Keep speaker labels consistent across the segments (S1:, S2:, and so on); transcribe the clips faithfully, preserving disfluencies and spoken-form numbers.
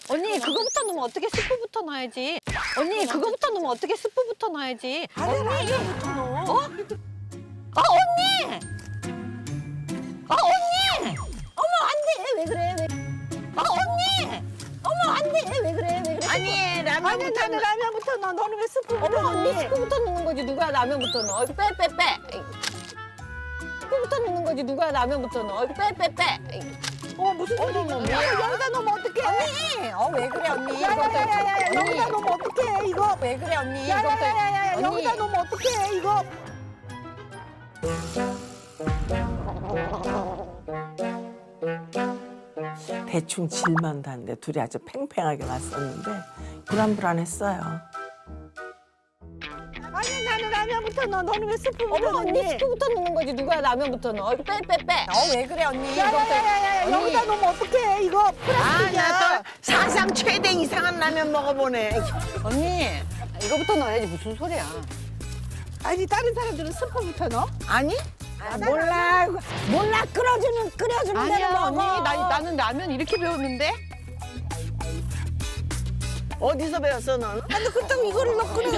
S1: 언니 그거부터 넣으면 어떻게 스프부터 넣어야지. 언니 그거부터 넣으면 어떻게 스프부터 넣어야지.
S2: 아래 라면부터 넣어.
S1: 어? 아 언니! 아 언니! 어머 안돼 왜 그래 왜? 아 언니! 어머 안돼 왜 그래 왜 그래?
S2: 아니
S3: 아니
S2: 라면부터
S3: 나는 라면부터 넣어. 너는 왜 스프부터
S1: 어머 언니
S3: 넣니?
S1: 스프부터 넣는 거지 누가 라면부터 넣어? 빼 빼 빼. 스프부터 넣는 거지 누가 라면부터 넣어? 빼 빼 빼.
S3: 어 무슨 소리야?
S1: 어머,
S3: 야, 여기다 넣으면 어떡해?
S1: 언니! 어 왜 그래 언니?
S3: 야야야야야
S1: 이거부터-
S3: 여기다
S1: 언니,
S3: 넣으면 어떡해 이거?
S1: 왜 그래 언니? 이거부터-
S3: 야야야야야
S1: 언니.
S3: 여기다 넣으면 어떡해 이거?
S2: 대충 질만 다는데 둘이 아주 팽팽하게 맞섰는데 불안불안했어요.
S3: 아니 나는 라면부터 넣어. 너는 왜 스프부터
S1: 어머 언니
S3: 넣니?
S1: 스프부터 넣는 거지 누가 라면부터 넣어? 빼 빼 빼. 어 왜 그래 언니?
S3: 야야야야야
S1: 언니.
S3: 여기다 넣으면 어떡해 이거? 플라스틱이야.
S2: 아나 또 사상 최대 이상한 라면 먹어보네.
S1: 언니 이거부터 넣어야지 무슨 소리야?
S3: 아니 다른 사람들은 스프부터 넣어?
S2: 아니?
S3: 아, 몰라 몰라 끓여주는 끓여주는 대로
S1: 아니야
S3: 먹어.
S1: 언니 나, 나는 라면 이렇게 배웠는데?
S2: 어디서 배웠어 넌?
S3: 아니 그렇다고 이거를 넣고 끓여.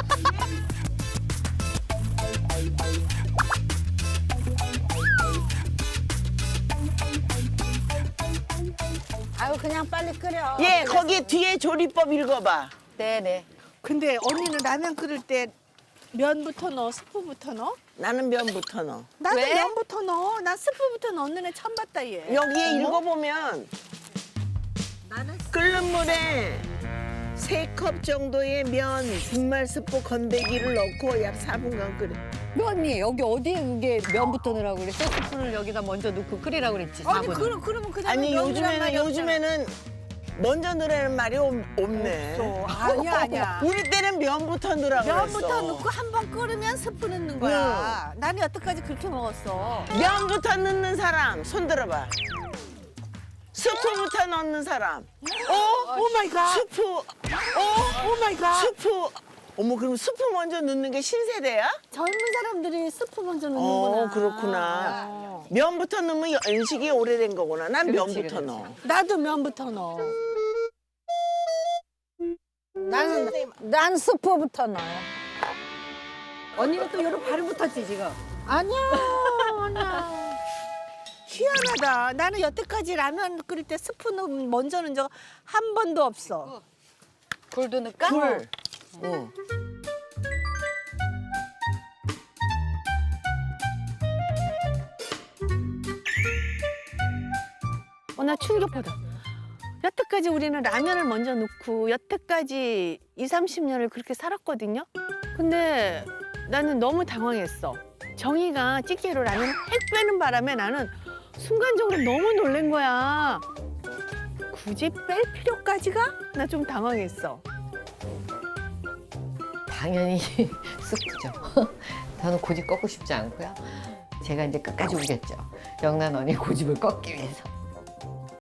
S3: 아유 그냥 빨리 끓여.
S2: 예 거기 뒤에 조리법 읽어봐.
S1: 네네.
S3: 근데 언니는 라면 끓일 때 면부터 넣어, 스프부터 넣어?
S2: 나는 면부터 넣어.
S3: 나도
S1: 왜?
S3: 면부터 넣어. 난 스프부터 넣는 애 처음 봤다 얘.
S2: 여기에 읽어보면 끓는 물에 세 컵 정도의 면, 분말 스프 건더기를 넣고 약 사 분간 끓여.
S1: 너 언니 여기 어디에 그게 면부터 넣으라고 그랬어? 스프를 여기다 먼저 넣고 끓이라고 그랬지
S3: 아니
S1: 사 분을.
S3: 그러, 그러면 그냥
S2: 아니
S3: 면이란
S2: 요즘에는
S3: 말이 없잖아.
S2: 요즘에는 먼저 넣으라는 말이 없, 없네.
S3: 없어. 아니야 아니야.
S2: 우리 때는 면부터 넣으라고
S3: 면부터
S2: 그랬어.
S3: 넣고 한 번 끓으면 스프 넣는 거야. 나는 여태까지 그렇게 먹었어.
S2: 면부터 넣는 사람 손 들어봐. 스프부터 넣는 사람. 어?
S3: 오 마이 갓.
S2: 스프. 어?
S3: 오 마이 갓.
S2: 스프. 어머 그럼 스프 먼저 넣는 게 신세대야?
S3: 젊은 사람들이 스프 먼저 넣는구나.
S2: 어 그렇구나.
S3: 어.
S2: 면부터 넣으면 연식이 오래된 거구나. 난
S1: 그렇지,
S2: 면부터
S1: 그렇지.
S2: 넣어.
S3: 나도 면부터 넣어.
S1: 나는 난 스프부터 넣어. 언니는 또 요런 발음 붙었지 지금.
S3: 아니야, 아니야. 희한하다. 나는 여태까지 라면 끓일 때 스프 넣 먼저 넣은 적 한 번도 없어.
S1: 굴도 넣을까?
S2: 굴. 어.
S3: 어, 나 충격받아. 여태까지 우리는 라면을 먼저 넣고 여태까지 이삼십 년을 그렇게 살았거든요. 근데 나는 너무 당황했어. 정이가 찌개로 라면 핵 빼는 바람에 나는 순간적으로 너무 놀란 거야. 굳이 뺄 필요까지가? 나 좀 당황했어.
S4: 당연히 스프죠. 저는 고집 꺾고 싶지 않고요. 제가 이제 끝까지 우겼죠. 영란 언니 고집을 꺾기 위해서.